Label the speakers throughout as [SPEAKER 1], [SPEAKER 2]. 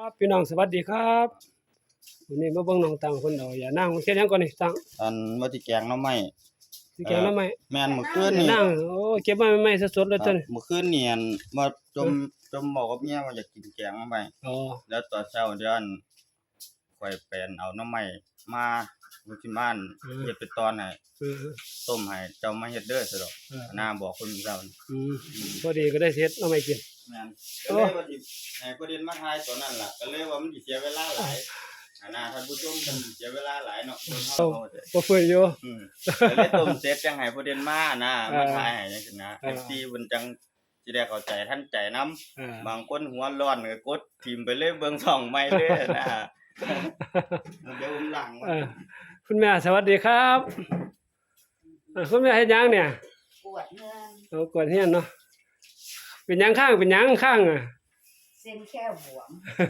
[SPEAKER 1] ครับพี่น้องสวัสดีครับวันนี้มาเบิ่งน้องตังคนเดียวอย่านั่งเฮ็ดหยังก่อนนี่ตัง
[SPEAKER 2] อันว่าสิแกงหน่อไม้
[SPEAKER 1] สิแกงหน่อไม้
[SPEAKER 2] แม่นมื้อคืน
[SPEAKER 1] อย่า
[SPEAKER 2] นี่
[SPEAKER 1] นั่งโอ้เก็บมาใหม่ๆสดๆเลย
[SPEAKER 2] ครับ
[SPEAKER 1] ตัวนี้
[SPEAKER 2] มื้อคืนนี่อันมาจมบอกกับเมียว่าอยากกินแกงหน่อไม้
[SPEAKER 1] อ๋อ
[SPEAKER 2] แล้วตอนเช้าเดี๋ยวอันข้อยไปเอาหน่อไม้มาอยู่ที่บ้านเฮ็ดเป็นตอนให้
[SPEAKER 1] เออ
[SPEAKER 2] ต้มให้เจ้ามาเฮ็ดเด้อซะดอก
[SPEAKER 1] เออ
[SPEAKER 2] น้าบอกคนเจ้านี่
[SPEAKER 1] อืมพอดีก็ได้เฮ็ดหน่อไม้กิน
[SPEAKER 2] แม่นก็เลยว่าสิให้ประเด็นมาทายตอนนั้นล่ะก็เลยว่ามันสิเสียเวลาหลายท่านผู้ชมมันสิเสียเวลาหลายเนาะเพิ่นเฮา
[SPEAKER 1] บ่เฟื่อยอยู่
[SPEAKER 2] ก็เลยต้มเสร็จจังให้ประเด็นมามาทายให้จังซี่นะ FC เพิ่นจังสิได้เข้าใจทันใจนำบางคนหัวร้อนก็กดทิ่มไปเลยเบิ่งช่องใหม่เลยนะเดี๋ยวผมหลัง
[SPEAKER 1] คุณแม่สวัสดีครับคุณแม่เฮ็ดหยังเนี่ย
[SPEAKER 3] ปวดเงื่อน
[SPEAKER 1] กวดเฮียนเนาะเป็นหยังข้างอ่ะ
[SPEAKER 3] เส้นแค่บวม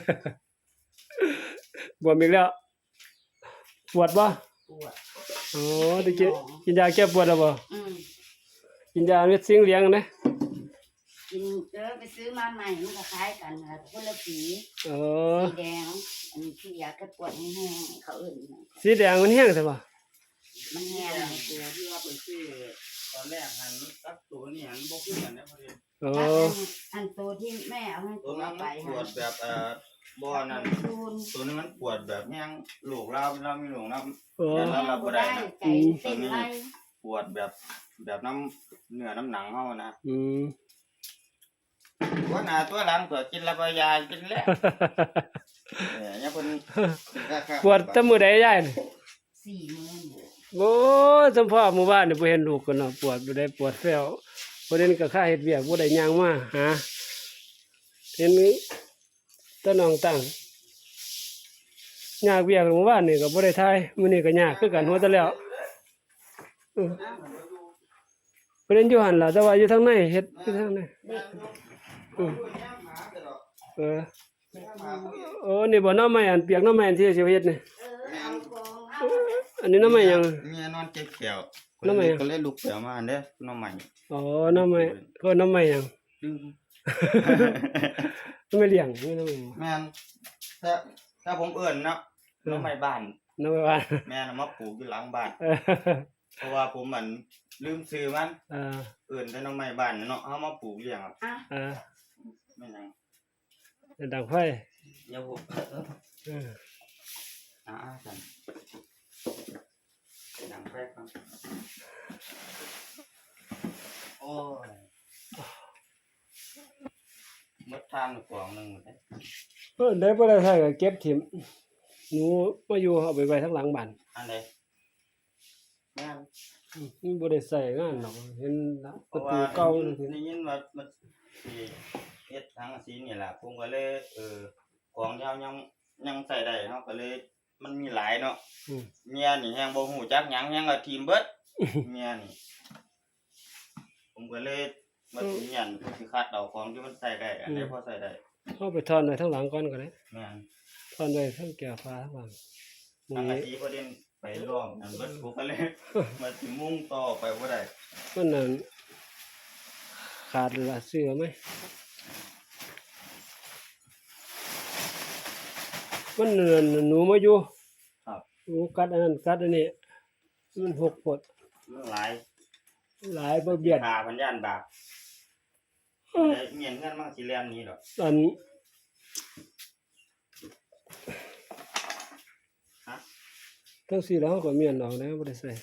[SPEAKER 1] บวมอีกแล้วปวดบ่
[SPEAKER 3] ปวด
[SPEAKER 1] อ๋อได้กินยาแก้ปวดแล้วบ่กินยาเม็ดซิงเหลียงนะ
[SPEAKER 3] กินไปซื้อมาใหม่มันก็คล้ายกันค่ะคนละสีสีแดงอันนี้ที่ยาแก้ปวดแห้งๆเขาอื่น
[SPEAKER 1] สีแดงมันแห้งใช่ป่ะ
[SPEAKER 3] มันแห้ง
[SPEAKER 2] ตัวที่ว่าเพิ่นซื้อตอนแรกหันกับตัวนี้หันบ่คือกันนะพอดี
[SPEAKER 3] อันตัวที่แม่เอาให้
[SPEAKER 2] ตัวนั้นปวดแบบบ่นั่นตัวนี้มันปวดแบบแห้งลูกเรามีลูกนำแล้วเราบ่ได้
[SPEAKER 3] ใจเต้นไล่
[SPEAKER 2] ปวดแบบน้ำเนื้อน้ำหนังเฮานะว่าหน้าตัวหลังตัวกินแล้วก็ยากินแล้วเนี่ยเพิ่น
[SPEAKER 1] ปวดแต่มื้อใดยายนี่
[SPEAKER 3] 4 มื้อ
[SPEAKER 1] โอ้สัมภาษณ์หมู่บ้านนี่บ่เห็นลูกกันเนาะปวดบ่ได้ปวดแฟ้วบ่ได้ก็ค่าเฮ็ดเวียกบ่ได้ย่างมาหาเห็นตะน้องตั้งยากเวียกหมู่บ้านนี่ก็บ่ได้ทายมื้อนี้ก็ยากคือกันหัวแต่แล้วเพิ่นอยู่หั่นล่ะแต่ว่าอยู่ทางในเฮ็ดอยู่ทางในโอ้นี่บ่น้ำไม้อันเปียกน้ำไม้อันที่สิเฮ็ดนี่อันนี้น้ำไม้ยัง
[SPEAKER 2] เมียนอนเจ็บแขวน้ำไม้ก็เลยลุกแขวมาเด้อน้ำไม้
[SPEAKER 1] อ๋อน้ำไม้ก็น้ำไม้ยังไม่เลี้ยงไม่น้ำไม้
[SPEAKER 2] แม่นถ้าผมเอิ้นเนาะน้ำไม้บ้านแม่นมาปลูกอยู่หลังบ้านเพราะว่าผมมันลืมซื้อมันเอิ้นแต่น้ำไม้บ้านเนาะเฮามาปลูกเลี้ยงแม่นหยัง
[SPEAKER 1] ดังไฟ
[SPEAKER 2] อย่าบ่สั่นดังไฟครับโอ้ยหมดทางกว่านึงหมด
[SPEAKER 1] ได้บ่ได้ใช้ก็เก็บถิ่มหนูมาอยู่เอาไปไว้ทางหลังบ้าน
[SPEAKER 2] อันใดแม่น
[SPEAKER 1] มันบ่ได้ใช้งานหรอกเห็นประตูเก่า
[SPEAKER 2] ได้ยินว่ามันสิเฮ็ดทางสีนี่ล่ะผมก็เลยของยาวยังใส่ได้เนาะก็เลยมันมีหลายเนาะเมียนี่แฮงบ่ฮู้จักหยังก็ทิ่มเบิดเมียนี่ผมก็เลยมาสิยันสิคัดเอาของที่มันใส่ได้อันใดพอใส่ได้
[SPEAKER 1] เอาไปถอนไว้ทางหลังก่อนก็ได้
[SPEAKER 2] แม่น
[SPEAKER 1] ถอนไว้ทางแก้วฟ้าทางหลัง
[SPEAKER 2] ทางสีประเด็นไปร่วมนั่นเบิดกูก็เลยมาสิมุ่งต่อไปบ่ได้
[SPEAKER 1] มันนั่นขาดละเสื้อมั้ยมันหนูมาอยู่
[SPEAKER 2] ครับ
[SPEAKER 1] หนูกัดอันนั้นกัดอันนี้มันหกปด
[SPEAKER 2] มันหล
[SPEAKER 1] ายบ่เบียด
[SPEAKER 2] หาพันย่านบาปเมียนเงินมันสิแล่นนี้ดอก
[SPEAKER 1] อันทั้ง4แล้วก็เมียนออกแล้วบ่ได้ใส่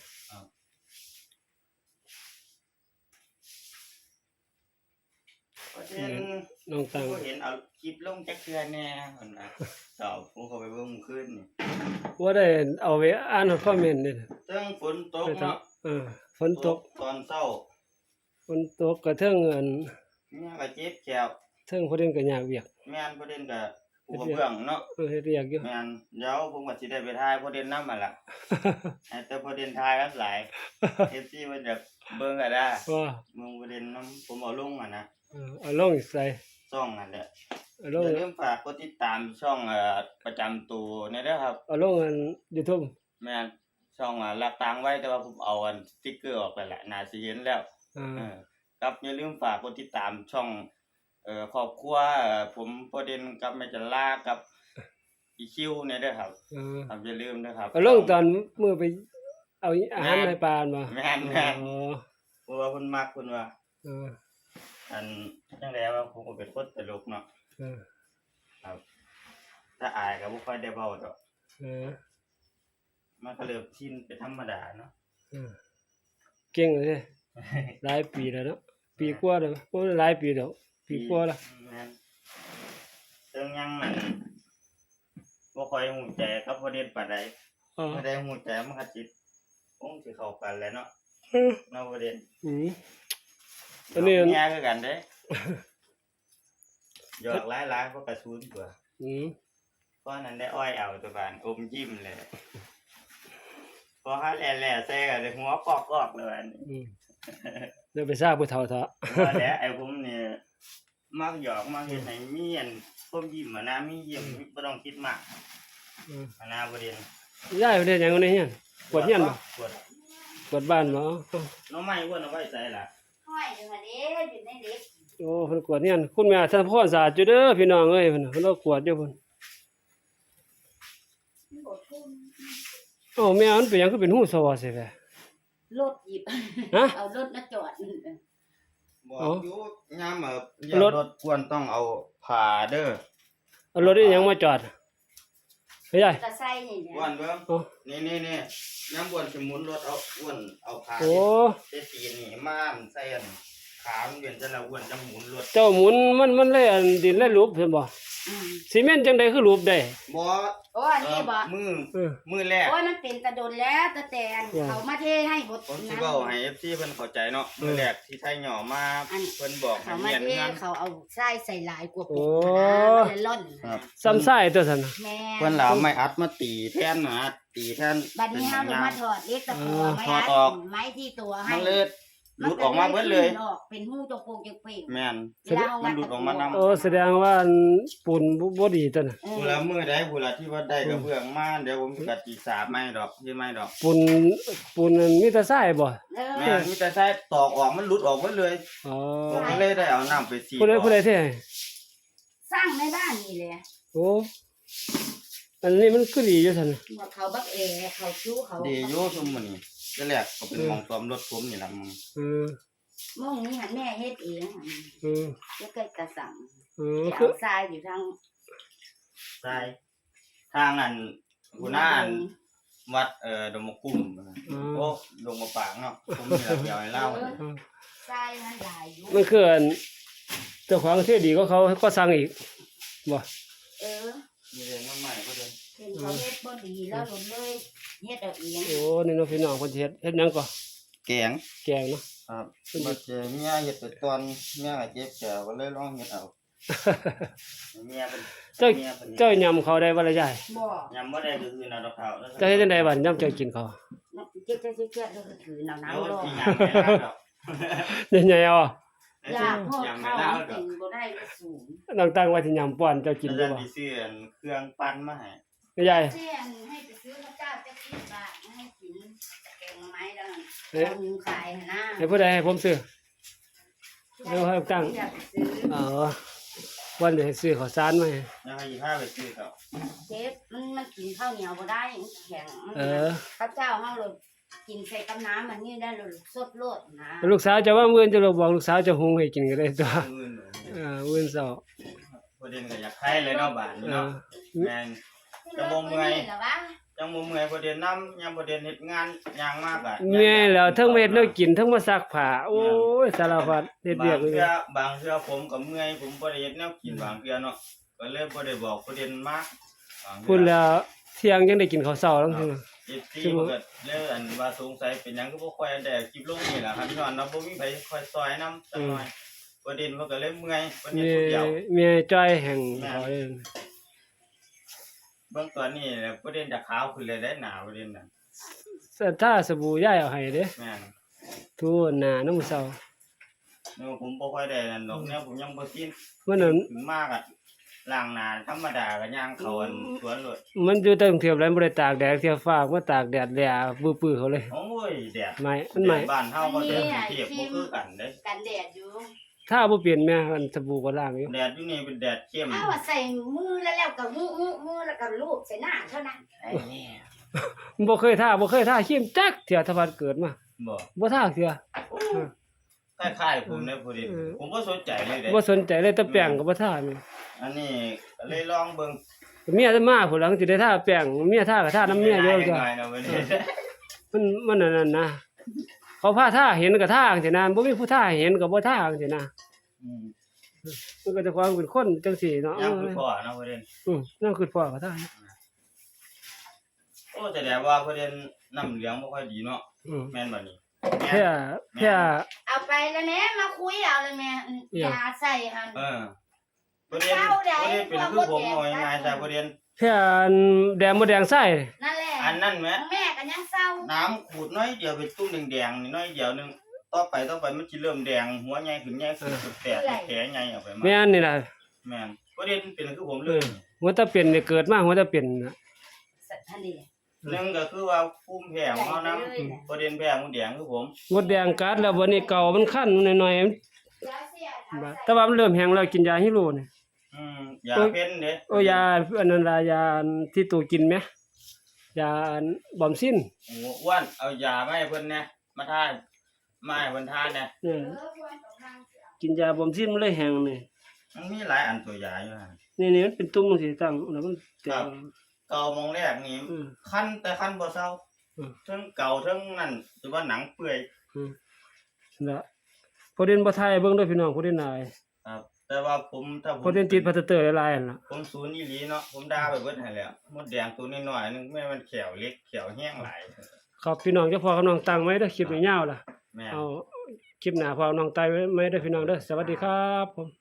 [SPEAKER 1] น้องตัง
[SPEAKER 2] เห็นเอาคลิปลงจักเทื่อแน่เพิ่นน่ะตอบผมเข้าไปเบิ่งคืนนี่
[SPEAKER 1] บ่ได้เอาไว้อ่านคอมเมนต์นี่
[SPEAKER 2] เทิงฝนตกเนาะ
[SPEAKER 1] ฝนตก
[SPEAKER 2] ตอนเช้า
[SPEAKER 1] ฝนตกก็เทิงอัน
[SPEAKER 2] เนี่ยก็เจ็บแขว
[SPEAKER 1] เทิงประเด็นก็ยากเวียก
[SPEAKER 2] แม่นประเด็นก็อุปเบื้องเนาะ
[SPEAKER 1] เฮ็ดเวียกอยู่
[SPEAKER 2] แม่นเดี๋ยวผมก็สิได้ไปถ่ายประเด็นนำหั่นล่ะแต่ประเด็นถ่ายกันหลาย FC เพิ่นจะเบิ่งก็ได้เบิ่งประเด็นนำผมเอาลงนะ
[SPEAKER 1] เอาลงใส่
[SPEAKER 2] ช่องนั่นแหละอย่าลืมฝากกดติดตามช่องประจำตัวนี่เด้อครับ
[SPEAKER 1] เอาลงอัน YouTube
[SPEAKER 2] แม่นช่องรักตังไว้แต่ว่าผมเอาอันสติ๊กเกอร์ออกไปแล้วน่าสิเห็นแล้วครับอย่าลืมฝากกดติดตามช่องครอบครัวผมประเด็นกับแม่จันลากับอีคิวเนี่ยเด้อครับ
[SPEAKER 1] เออ
[SPEAKER 2] ครับอย่าลืมนะครับ
[SPEAKER 1] เอาลงตอนมื้อไปเอาอาหารให้ปลาบ่
[SPEAKER 2] แม่นแม่น
[SPEAKER 1] อ๋อ
[SPEAKER 2] เพราะว่าเพิ่นมักเพิ่นว่า
[SPEAKER 1] เออ
[SPEAKER 2] อันจังไดว่าผมก็เป็นคนตลกเนาะ
[SPEAKER 1] เออ
[SPEAKER 2] ครับ ถ้าอายก็บ่ค่อยได้เว้าดอก
[SPEAKER 1] เออ
[SPEAKER 2] มันก็เริ่มชินเป็นธรรมดาเนาะ
[SPEAKER 1] เออเก่งเลยเด้หลายปีแล้วเนาะปีกว่าแล้วบ่หลายปีแล้วปีกว่าแล้ว
[SPEAKER 2] แม่นซึ่งยังมันบ่ค่อยฮู้ใจกับประเด็นปานใด
[SPEAKER 1] อ๋อ
[SPEAKER 2] บ่ได้ฮู้ใจมันก็สิคงสิเข้ากันแหล้วเนาะ
[SPEAKER 1] เออ
[SPEAKER 2] เนาะประเด็น
[SPEAKER 1] อืม อันนี้
[SPEAKER 2] แย่คือกันเด้หยอกหลายๆเพราะกระสุนตัว
[SPEAKER 1] อืม
[SPEAKER 2] เพราะนั้นได้อ้อยเอาตัวบานอมยิ้มเลยพอเขาแหล่ๆแซ่กันเลยหัวกอกๆเลยอันนี้
[SPEAKER 1] อืมเดี๋ยวไปทราบผู้เฒ่าเถาะ
[SPEAKER 2] ว่าแล้วไอ้ผมเนี่ยมักหยอกมักเฮ็ดให้มีอันผมยิ้มอะนะมียิ้มบ่ต้องคิดมาก
[SPEAKER 1] อืม
[SPEAKER 2] อะนะบ่เด่น
[SPEAKER 1] ยายเฮ็ดหยังอยู่ในเฮียนกวาดเฮียนบ่
[SPEAKER 2] กวด
[SPEAKER 1] กวาดบ้านบ่
[SPEAKER 2] หน้องไม้อ้วนเอาไว้ใส่ล่ะ
[SPEAKER 3] ห้อยอยู่หั่นเด้อยู่ในเด็ก
[SPEAKER 1] โอ้เพิ่นกวาดเฮียนคุณแม่ท่านพ่อสะอาดอยู่เด้อพี่น้องเอ้ยเพิ่นน่ะเพิ่นเอากวาดอยู่เพิ่น
[SPEAKER 3] มันบ่ทุ่ม
[SPEAKER 1] โอ้แม่มันเป็นหยังคือเป็นหู้ซอซิแท้
[SPEAKER 3] รถหยิบ
[SPEAKER 1] ฮะ
[SPEAKER 3] เอารถมาจอด
[SPEAKER 2] บอกอยู่ยามรถควรต้องเอาผ้าเด้อ
[SPEAKER 1] เอารถอีหยังมาจอดเฮ้ยยาย
[SPEAKER 3] ตะไซนี่แหละ
[SPEAKER 2] อ้วนเบิ่ง
[SPEAKER 1] โอ้
[SPEAKER 2] นี่ยามอ้วนสิหมุนรถเอาอ้วนเอาผ้า
[SPEAKER 1] โอ้
[SPEAKER 2] เจ็ดตีนนี่ม่านใส่อันขามันเป็นจังละอ้วนจังหมุนรถ
[SPEAKER 1] เจ้าหมุนมันเลยอันดินเลยรูปเห็นบ่
[SPEAKER 3] อืม
[SPEAKER 1] ซีเมนต์จังได๋คือรูปได้
[SPEAKER 2] บ่
[SPEAKER 3] โอ้อันนี้บ่
[SPEAKER 2] มือ
[SPEAKER 1] เออ
[SPEAKER 2] มือแรก
[SPEAKER 3] โอ้ยมันเป็นตะดนแล้วตะแตน
[SPEAKER 1] ว้าว
[SPEAKER 3] เขามาเทให้บด
[SPEAKER 2] ผมสิเว้าให้ FC เพิ่นเข้าใจเนาะมือแรกที่ไทยหย่อมาเพิ่นบอกให้
[SPEAKER 3] เขามา
[SPEAKER 2] เรียน
[SPEAKER 3] เท
[SPEAKER 2] งาน
[SPEAKER 3] เขาเอาไส้ใส่หลายกว่า
[SPEAKER 1] โอ้
[SPEAKER 3] ปุกนะมันเลยล่อน
[SPEAKER 2] ครับ
[SPEAKER 1] ซ้ำซ้ายตัวซั่นน่ะ
[SPEAKER 3] แม่
[SPEAKER 2] เพิ่นเหลาไม่อัดมาตีแทนนะตีแทน
[SPEAKER 3] บัดนี้เฮาลงมาถอดเล็กตะกัวไม้
[SPEAKER 2] ถอด
[SPEAKER 3] อัด
[SPEAKER 2] ออก
[SPEAKER 3] ไม้ที่ตัวให้
[SPEAKER 2] มันเลยหลุดออกมาเบิดเลย
[SPEAKER 3] มันก็ขึ้นออกเป็นหูจงโปงจงเป่ง
[SPEAKER 2] แม่น
[SPEAKER 3] เวลาเอา
[SPEAKER 2] มันหลุดออกมานำ
[SPEAKER 1] โอ้แสดงว่าอันปูนบ่ดีตัวน่ะ
[SPEAKER 2] ผู้ละมือใดผู้ละที่ว่าได้กระเบื้องมาเดี๋ยวผมสิกัดจีสาบไม่ดอกที่ไม่ดอก
[SPEAKER 1] ปูนมันมีแต่ทรายบ่
[SPEAKER 3] เออ
[SPEAKER 2] แม่นมีแต่ใช้ตอกออกมันหลุดออกหมดเลย
[SPEAKER 1] อ๋อ
[SPEAKER 2] ผมก็เลยได้เอาน้ำไปสี
[SPEAKER 1] ผู้ใดเท่
[SPEAKER 3] สร้างในบ้านนี่แหละ
[SPEAKER 1] โอ้อันนี้มันคือดีอยู่ซั่นน่ะ
[SPEAKER 3] ว่าเขาบักเอเขาชู้เขา
[SPEAKER 2] ดีอยู่ซุมมื้อนี้แต่แรกก็เป็นหมองซ้อมรถผมนี่ล่ะมึง
[SPEAKER 1] เออ
[SPEAKER 3] มองนี่หันแม่เฮ็ดเองหั่น
[SPEAKER 1] เออ
[SPEAKER 3] แล้วก็กระสัง
[SPEAKER 1] เออ
[SPEAKER 3] จะ
[SPEAKER 1] คือ
[SPEAKER 3] เอาทรายอยู่ทาง
[SPEAKER 2] ใช่ทางอันหัวหน้าอันวัดดงมะกุ้มโอ้ดงมะปางเนาะผมมีระเบียบให้เล่า
[SPEAKER 1] เออ
[SPEAKER 3] ทรายมันหลายอยู่
[SPEAKER 1] มันคืออันเจ้าของที่ดีก็เขาก็สั่งอีกบ่
[SPEAKER 3] เออ
[SPEAKER 2] มีเรื่องมาใหม่ก็เดิน
[SPEAKER 3] เห็นเขาเฮ็ดบ่ดีแล้วหลงเลยเฮ็ดเอาเอง
[SPEAKER 1] โอ้นี่เนาะพี่น้องเพิ่นสิเฮ็ดหยังก็
[SPEAKER 2] แกง
[SPEAKER 1] แกงเนาะ
[SPEAKER 2] ครับมาเจอเมียเฮ็ดไปตอนเมียก็เจ็บแขวก็เลยลองเฮ็ดเอาเมียเป็น
[SPEAKER 1] เจ้า
[SPEAKER 2] เมียเป็น
[SPEAKER 1] เจ้ายำเขาได้บ่ล่ะยาย
[SPEAKER 3] บ่
[SPEAKER 2] ยำบ่ได้ก็คือนาดอกขาวแล้ว
[SPEAKER 1] เจ้าเฮ็ดจังไดบัดยำเจ้ากินเขา
[SPEAKER 3] เจ๊ๆๆๆแล้วก็ถือหนาว
[SPEAKER 2] เอา
[SPEAKER 3] ๆรอ
[SPEAKER 2] ที่ยำไม่ได้ดอก
[SPEAKER 1] ใหญ่ๆเอาอะ
[SPEAKER 3] อยากพวก
[SPEAKER 2] ยำไม่
[SPEAKER 3] เขา
[SPEAKER 2] ได้ดอ
[SPEAKER 3] กิ
[SPEAKER 2] ก
[SPEAKER 3] นบ่ได้ก็สูง
[SPEAKER 1] น้องตั้งไว้ที่ยำป้อนเจ้ากิน
[SPEAKER 2] แล้
[SPEAKER 1] ได้
[SPEAKER 2] ว
[SPEAKER 1] บ่
[SPEAKER 2] จะซื้อเครื่องปั้นมาให้
[SPEAKER 1] ยาย
[SPEAKER 3] เสียนให้ไปซื้อข้าวเจ้าจะกินบาทให้กินแกงไม้แล้วนั่น
[SPEAKER 1] เอ๊ะ
[SPEAKER 3] คนขายหั่นนะ
[SPEAKER 1] ให้ผู้ใดให้ผมซื้อ เดี๋ยวให้ตั้ง
[SPEAKER 3] อยากไปซื้อ
[SPEAKER 1] อ๋อวันนี้ให้ซื้อข้าวสารมาให้
[SPEAKER 2] แล้วให้ผ้าไปซื้อเขา
[SPEAKER 3] เจ๊มันกินข้าวเหนียวบ่ได้มันแข็งมัน
[SPEAKER 1] เออ
[SPEAKER 3] ข้าวเจ้าเฮาเลยกินใส่กับน้ำมันนี่ได้เลยสดโลดนะ
[SPEAKER 1] ลูกสาวจะว่ามื้อจะบอกลูกสาวจะหุงให้กินก็ได้ตัว
[SPEAKER 2] อื่น
[SPEAKER 1] มื้อเช้า
[SPEAKER 2] ประเด็นก็อยากให้เลยเนาะบ้านนี้
[SPEAKER 1] เอ
[SPEAKER 2] เนาะ
[SPEAKER 1] อ
[SPEAKER 2] แม่น จะบ่เมื่อย
[SPEAKER 3] เหรอวะ
[SPEAKER 2] จังบ่เมื่อยประเด็นน้ำยังประเด็นเฮ็ดงานยางมากอ่ะ
[SPEAKER 1] เมื่อยแล้วทั้งเฮ็ดแนวกินทั้งมาซักผ้าโอ้ยสารพัดเฮ็ดเวียกเลย
[SPEAKER 2] บางเทื่อผมก็เมื่อยผมบ่ได้เฮ็ดแนวกินบางเทื่อเนาะก็เลยบ่ได้บอกประเด็นมากบางเทื่อ
[SPEAKER 1] พุ่นแล้วเที่ยงยังได้กินข้าวเช้าแล้วคือ
[SPEAKER 2] ที่เกิดเรื่องอันว่าสงสัยเป็นหยังก็บ่ค่อยได้คลิปลงนี่ล่ะครับย้อนเนาะบ่มีไผค่อยซอยนำจักหน่อยประเด็นมันก็เลยเมื่อยประเด็น
[SPEAKER 1] มี
[SPEAKER 2] ผู้เดียว
[SPEAKER 1] มีจ้อยแห่งเขาเอง
[SPEAKER 2] เบิ่งตอนนี้เนี่ยประเด็นจะขาวขึ้นเลยได้หนาประเด็นน่ะ
[SPEAKER 1] ถ้าสบู่ย้ายเอาให้เด้
[SPEAKER 2] แม่น
[SPEAKER 1] ทูหน้าน้ำมื้อเช้า
[SPEAKER 2] เนาะผมบ่ค่อยได้นั่นดอกเนี่ยผมยังบ่ชิน
[SPEAKER 1] มันนั้น
[SPEAKER 2] ถึงมากอ่ะล้างหน้าธรรมดาก็ย่างเข้าอันสวนเลย
[SPEAKER 1] มันอยู่ตั้งเทียบแล้วบ่ได้ตากแดดเทียบฟ้ามาตากแดดแลปื้อๆเขาเลย
[SPEAKER 2] โอ้ยแดด
[SPEAKER 1] ไหม้มันไหม้
[SPEAKER 2] บ้านเฮาก็แดดเทียบบ่คือกันเด้
[SPEAKER 3] กันแดดอยู่
[SPEAKER 1] ถ้าบ่เปลี่ยนแม่อันสบู่ก็ล้างอยู่
[SPEAKER 2] แดดอยู่นี่เป็นแดดเข้ม
[SPEAKER 3] เอาว่าใส่มือแล้วก็มือแล้วก็ลูบใส่หน้าเท่านั้น
[SPEAKER 2] ไอ้นี่
[SPEAKER 1] บ่เคยท่าครีมจักเที่ยถ้าพัดเกิดมา
[SPEAKER 2] บ่
[SPEAKER 1] บ่ท่าเที่ย
[SPEAKER 2] คล้ายๆผมนะพอดีผมบ่สนใจเลยเด้
[SPEAKER 1] บ่สนใจเลยแต่แป้งก็บ่ท่านี่
[SPEAKER 2] อันนี้ก็เลยลองเบิ่ง
[SPEAKER 1] เมียจะมาผู้หลังสิได้ท่าแป้งเมียท่าก็ท่าน้ำเมียอยู่
[SPEAKER 2] จ้ะ
[SPEAKER 1] จ้ะ
[SPEAKER 2] หน่อยนะวันนี้
[SPEAKER 1] มันนั่นนะเขาพาท่าเห็นก็ท่าจังซี่นะบ่มีผู้ท่าเห็นก็บ่ท่าจังซี่นะ
[SPEAKER 2] อืม
[SPEAKER 1] มันก็จะความเป็นคนจังซี่เนาะ
[SPEAKER 2] ยังคือพ่อนะพอดี
[SPEAKER 1] นั่นคือพ่อก็ท่า
[SPEAKER 2] โอ้แสดงว่าพอดีน้ำเหลืองบ่ค่อยดีเนาะ
[SPEAKER 1] อืม
[SPEAKER 2] แม่นบ่นี่
[SPEAKER 1] แพ้แพ้
[SPEAKER 3] เอาไปแล้วแม่มาคุยเอาเลยแม่ยาใส่หั่น
[SPEAKER 2] พอดีเป็นคือผมเอาง่ายๆซะพอดี
[SPEAKER 1] แพ้แดงบ่แดงไส้
[SPEAKER 3] นั่นแหละ
[SPEAKER 2] อันนั้นแหม
[SPEAKER 3] แม่ก็ยังเศร้า
[SPEAKER 2] น้ำขูดน้อยเดียวเป็นตุ้มแดงๆนี่น้อยเดียวนึงต่อไปมันสิเริ่มแดงหัวใหญ่ขึ้นสุดแตกแผลใหญ่ออกไปมา
[SPEAKER 1] แม่นนี่ล่ะ
[SPEAKER 2] แม่นพอดีเป็นคือผมเลย
[SPEAKER 1] หัวตาเป็นนี่เกิดมาหัวตาเป็นน่ะ
[SPEAKER 3] ทันที
[SPEAKER 2] หนึ่งก็คือว่าภูมิแพ้ของเขานะประเด็นแพ้หมูแดงคือผม
[SPEAKER 1] มดแดงกัดแล้ววันนี้เก่ามันคันหน่อยๆแต่ว่ามันเริ่มแห้งแล้วกินยาฮิโรนี่
[SPEAKER 2] ยาเพ้นเด้
[SPEAKER 1] โอ้ยาอันนั้นล่ะยาที่ตู่กินไหมยาบอมซิน
[SPEAKER 2] โอ้อ้วนเอายามาให้เพิ่นนะมาทานมาให้เพิ่นทานนะ
[SPEAKER 1] กินยาบอมซินมันเลยแห้งนี่
[SPEAKER 2] มันมีหลายอันตัวยาอยู่ฮะ
[SPEAKER 1] นี่มันเป็นตุ่มจังซี่ตั้งแล้วมันแตก
[SPEAKER 2] เก่ามองแรกนี่คันแต่คันบ่เซาทั้งเก่าทั้งนั่นหรือว่าหนังเปื่อย
[SPEAKER 1] นะพอเด่นบ่ทายเบิ่งเด้อพี่น้องพอเด่นนาย
[SPEAKER 2] ครับ แต่ว่าผมถ้าผ
[SPEAKER 1] พอ
[SPEAKER 2] ม
[SPEAKER 1] เด่นติดพลาสเตอร์หลายๆนั่นล่ะ
[SPEAKER 2] ผมศูนย์อีหลีเนาะผมด่าไปเบิดให้แล้วมดแดงตัวน้อยๆนึงแม่มันแขวเล็กแขวแห้งหลาย
[SPEAKER 1] ครับพี่น้องจะพอกับน้องตั้งไว้เด้อคลิปยาวๆล่ะ
[SPEAKER 2] แม่
[SPEAKER 1] เอาคลิปหน้าพอน้องตายไว้ไหมเด้อพี่น้องเด้อสวัสดีครับผม